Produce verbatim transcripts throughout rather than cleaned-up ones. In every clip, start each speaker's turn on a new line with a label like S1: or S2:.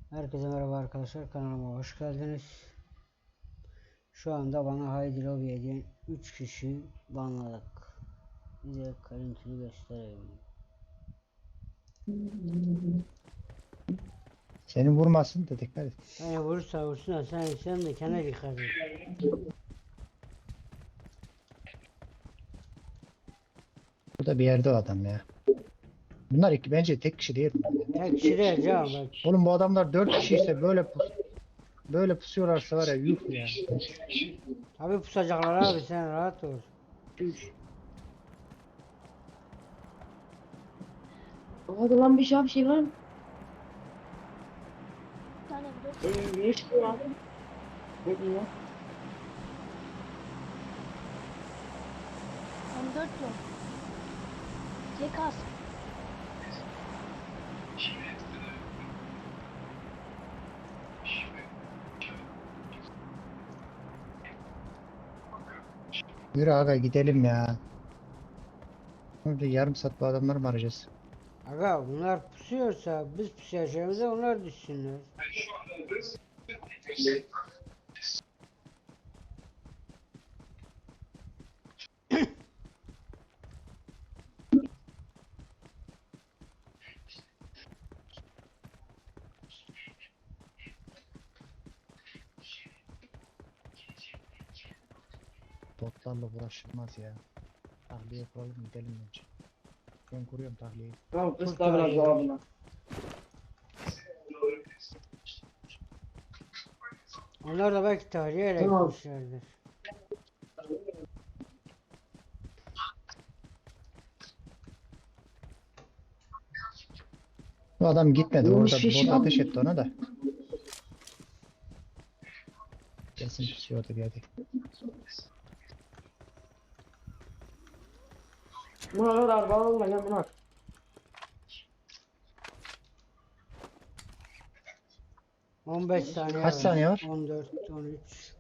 S1: Herkese merhaba arkadaşlar, kanalıma hoş geldiniz. Şu anda bana Haydi Lobby'ye diyen üç kişi banladık. Size görüntülü göstereyim.
S2: Seni vurmasın da dikkat et.
S1: Beni vurursa vursun da sen, sen de kendine dikkat et.
S2: Burada bir yerde o adam ya. Bunlar iki, bence tek kişi değil.
S1: Tek kişi değil canım bak.
S2: Oğlum bu adamlar dört kişi ise böyle pus böyle pusuyorlarsa var ya, yuh ya.
S1: Tabi pusacaklar abi, sen rahat ol.
S3: Hadi lan bir şey bir şey var mı?
S4: Bir tane bir
S3: Ee, ne çıkıyor abi? Ne diyor?
S4: M dört yok. Zekas.
S2: Yürü aga gidelim ya. Burada yarım saat bu adamları mı arayacağız?
S1: Aga bunlar pusuyorsa biz pusacağımıza onlar düşsünler.
S2: Botlarla uğraşılmaz ya. Tahliye kuralım gidelim önce. Ben kuruyorum tahliyeyi.
S3: Tamam kısa biraz daha buna.
S1: Onlar da belki tahliye
S3: Tamam.
S1: etmişlerdir.
S2: Bu adam gitmedi.
S3: Vurmuş
S2: Orada
S3: fişi
S2: bot
S3: al.
S2: ateş etti ona da. Kesin pusuyordu bir yerde.
S3: Buna kadar bağlı lan buna.
S1: on beş saniye
S2: Kaç saniye var?
S1: on dört, on üç.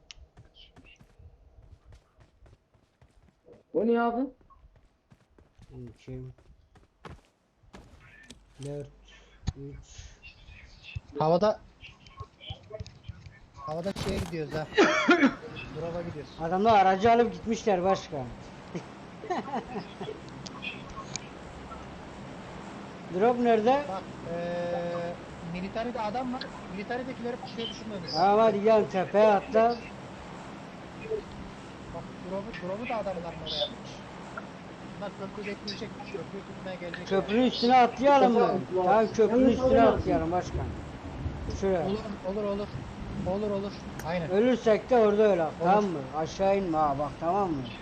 S3: Bu ne abi?
S1: on iki, dört, üç.
S2: Havada Havada şeye gidiyoruz ha. Drop'a gidiyoruz.
S1: Adamlar aracı alıp gitmişler başka. Drop nerede?
S2: Bak eee militaride adam var. Militaridekileri pusuya düşürmemiz.
S1: Tamam hadi gel tepeye atla.
S2: Bak drop'u, drop'u da adamlar oraya yapmış. Bunlar köprü bekleyecek. Köprüyü tutmaya gelecek.
S1: Köprünün üstüne atlayalım mı? Tamam köprünün üstüne atlayalım başkan. Şuraya.
S2: Olur olur olur. Olur olur. Aynen.
S1: Ölürsek de orada öyle. Tamam mı? Aşağı inme ha bak, tamam mı?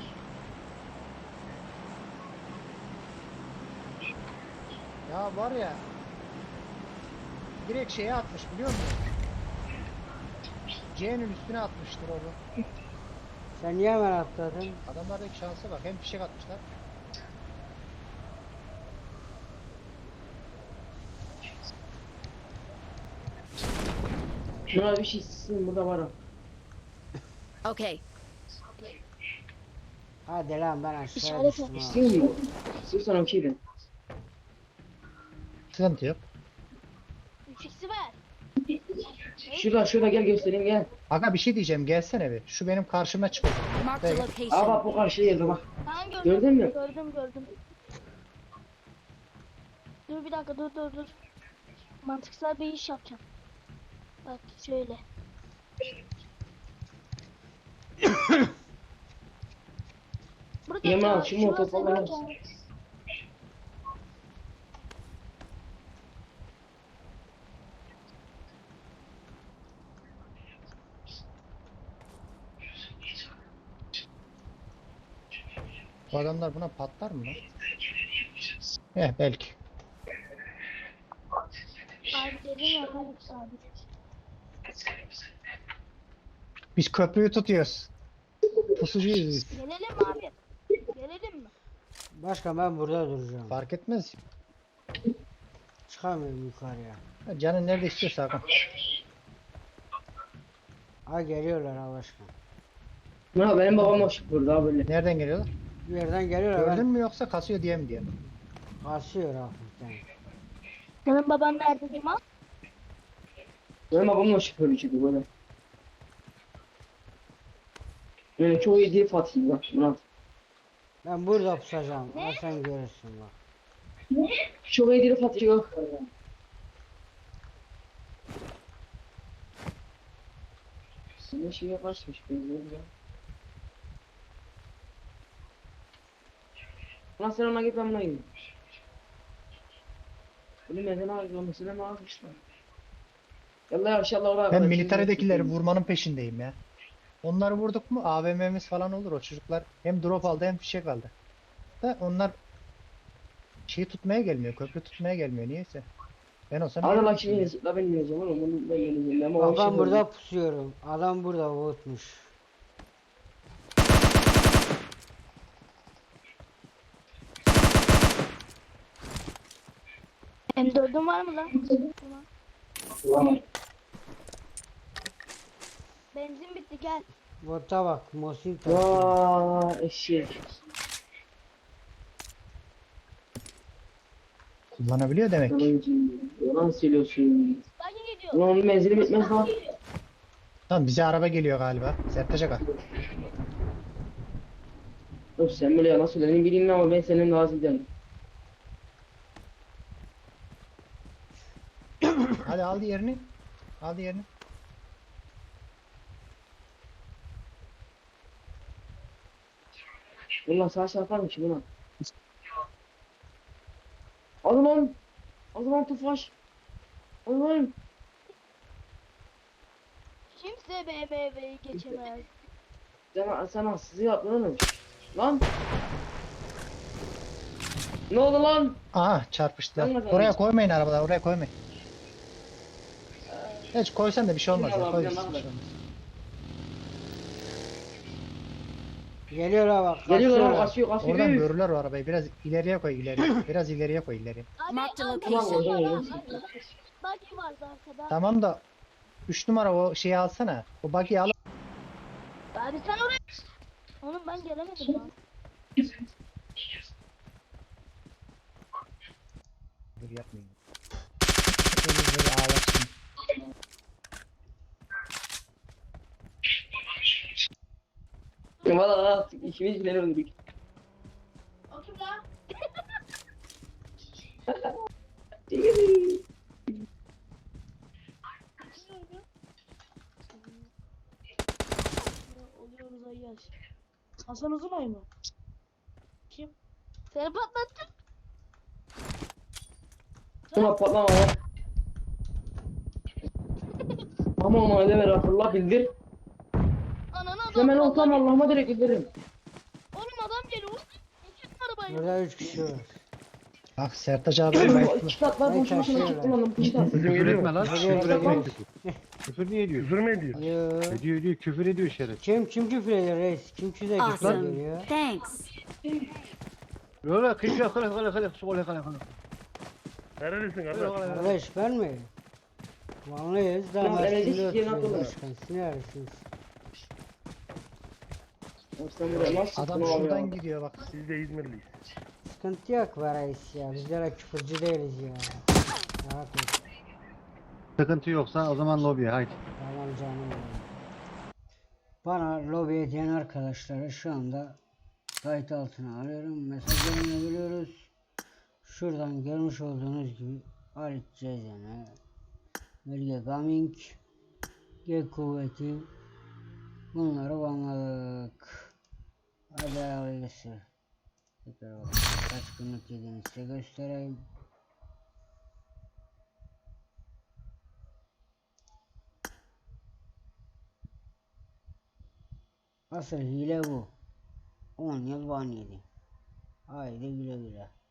S2: Ya var ya. Direkt şeye atmış biliyor musun? C'nin üstüne atmıştır onu.
S1: Sen niye hemen atladın?
S2: Adamlardaki şansa bak. Hem fişek atmışlar.
S3: Şuna bir şey sizin burada var o.
S5: Okay.
S1: Hadi lan ben aşağı
S4: İşaret
S1: düştüm ha.
S3: İstiyor mu? İstiyorsan okey ben.
S2: Sıkıntı yok.
S4: üç x'i ver.
S3: Şurada şurada gel göstereyim gel.
S2: Aga bir şey diyeceğim. Gelsene bir. Şu benim karşıma çıkıyor.
S5: Marked a
S2: Evet.
S3: Aa
S5: location.
S3: bak bu karşı yerde bak.
S4: Tamam gördüm.
S3: Gördün mü?
S4: Gördüm gördüm. Dur bir dakika dur dur dur. Mantıksal bir iş yapacağım. Bak şöyle. Burada
S3: Yaman,
S4: ya,
S3: şu
S4: şu
S3: motor falan
S4: hazırlarken-
S2: Bu adamlar buna patlar mı lan? Eh belki.
S4: Abi dedim ya hadi abi.
S2: Biz köprüyü tutuyoruz. Pusucuyuz biz.
S4: Gelelim abi. Gelelim mi?
S1: Başkan ben burada duracağım.
S2: Fark etmez.
S1: Çıkamıyorum yukarıya.
S2: Canın nerede istiyorsa Hakan.
S1: Ha geliyorlar ha başkan.
S3: Ha benim babam hoş burada böyle.
S2: Nereden geliyorlar?
S1: Bir yerden geliyorlar.
S2: Gördün
S1: Ben
S2: mü yoksa kasıyor diye mi diye?
S1: kasıyor hafiften.
S4: Senin baban nerede Cuma?
S3: Benim babamla şoförücüydü böyle. Yani çok iyi değil Fatih bak Murat.
S1: Ben burada pusacağım. Ha, sen görürsün bak.
S3: Çok iyi değil Fatih yok. Ne şey yaparsmış benziyorum ya. Ulan sen ona git ben buna gideyim. Bunu neden ağrıyor? Mesela ne ağrıyor? Yallah inşallah oraya
S2: Ben
S3: kadar
S2: militaridekileri
S3: çizim
S2: vurmanın peşindeyim ya. Onları vurduk mu A V M'miz falan olur, o çocuklar hem drop aldı hem fişek aldı. Da onlar şeyi tutmaya gelmiyor, köprü tutmaya gelmiyor niyeyse. Ben olsam
S3: Hadi
S2: yerim
S3: lan
S2: şimdi.
S3: şimdi yenecek la ben yeneceğim oğlum bunu ben yeneceğim ama o
S1: Bak
S3: işi
S1: ben
S3: böyle.
S1: burada pusuyorum. Adam burada vurmuş.
S4: M dördün var mı lan? Tamam.
S3: Ulan.
S4: Benzin bitti gel.
S1: Bota bak. Mosin taşıyor.
S3: Vaa eşek.
S2: Kullanabiliyor demek ki.
S3: Yalancı. Yalan söylüyorsun.
S4: Bagi geliyor.
S3: Ulan onun menzili bitmez lan.
S2: Tamam, bize araba geliyor galiba. Sertaç Aga.
S3: Dur sen böyle yalan söyledin bileyim ama ben senin lazım değilim.
S2: Hadi al diğerini. Al diğerini.
S3: Ulan sağ çarparmış buna. Al lan. Al lan tufaş. Al lan.
S4: Kimse B M W'yi geçemez.
S3: Sen, sen haksızlığı yaptın oğlum. Lan. Ne oldu lan?
S2: Aha, çarpıştılar.
S3: Anladım.
S2: Oraya koymayın arabaları, oraya koymayın. Hiç koysan da bir şey olmaz ya.
S3: Bilmiyorum,
S2: Koy,
S3: bilmiyorum,
S2: bir şey olmaz.
S1: Geliyor ha bak.
S3: Geliyor lan
S1: kaçıyorlar.
S3: kaçıyor kaçıyor.
S2: Oradan
S3: Üf.
S2: görürler o arabayı. Biraz ileriye koy, ileriye. Biraz ileriye koy, ileriye.
S4: Abi
S5: Marked a
S4: arkada
S5: location.
S3: Tamam,
S4: var,
S3: oradan
S4: arkada. Bagi vardı arkada.
S2: Tamam da üç numara o şeyi alsana. O buggy'i al.
S4: Abi sen oraya. Oğlum ben gelemedim lan.
S2: Dur yapmayın. Böyle böyle ağlaşın.
S3: Valla valla ikimiz bile öldük.
S4: Oluyoruz ayyaş. Hasan Uzunay mı? Kim? Seni patlattım.
S3: Şuna patlama lan. Ama ona öyle ver Allah bildir.
S4: Ananı adam.
S3: Hemen
S4: adam
S3: olsam
S4: geliyor.
S3: Allah'ıma direkt bildiririm.
S4: Oğlum adam geliyor. Geçin arabayı.
S1: Burada üç kişi var.
S2: Bak Sertaç abi
S3: Oğlum
S2: bayılttı.
S3: iki katlar
S1: Ben
S3: boş boşuna
S1: taşıyorum.
S3: çıktım lan iki kat.
S6: Küfür etme lan.
S1: Hadi
S6: Küfür
S1: hadi.
S6: ediyor. Küfür niye ediyor? Küfür mü ediyor?
S1: Yo.
S6: Ediyor ediyor. Küfür ediyor şeref.
S1: Kim kim küfür ediyor reis? Kim küfür ediyor?
S5: Awesome. Thanks.
S6: Öyle kıyıya kale kale kale kale kale kale. Nerelisin kardeş?
S1: Kardeş ben mi? Vanlıyız da
S3: Tamam, evet,
S1: Mersin'de
S3: hiç yerin
S1: oturuyoruz
S3: atılır.
S1: başkan. Siz neredesiniz?
S3: Sen buraya nasıl
S2: Adam
S3: çıktın abi
S2: şuradan
S3: ya?
S2: gidiyor bak.
S6: Biz de İzmirliyiz.
S1: Sıkıntı yok be reis ya. Bizlere küfürcü değiliz ya. Rahat ol.
S6: Sıkıntı yoksa o zaman lobiye haydi.
S1: Tamam canım benim. Bana lobiye diyen arkadaşları şu anda kayıt altına alıyorum. Mesajlarını veriyoruz. Şuradan görmüş olduğunuz gibi Halit Cezene, Melge Gaming, G Kuvveti, bunları banladık. Hadi hayırlısı. Tekrar bak. Kaç günlük yediğini size göstereyim. Asıl hile bu. on yıl ban yedi. Haydi güle güle.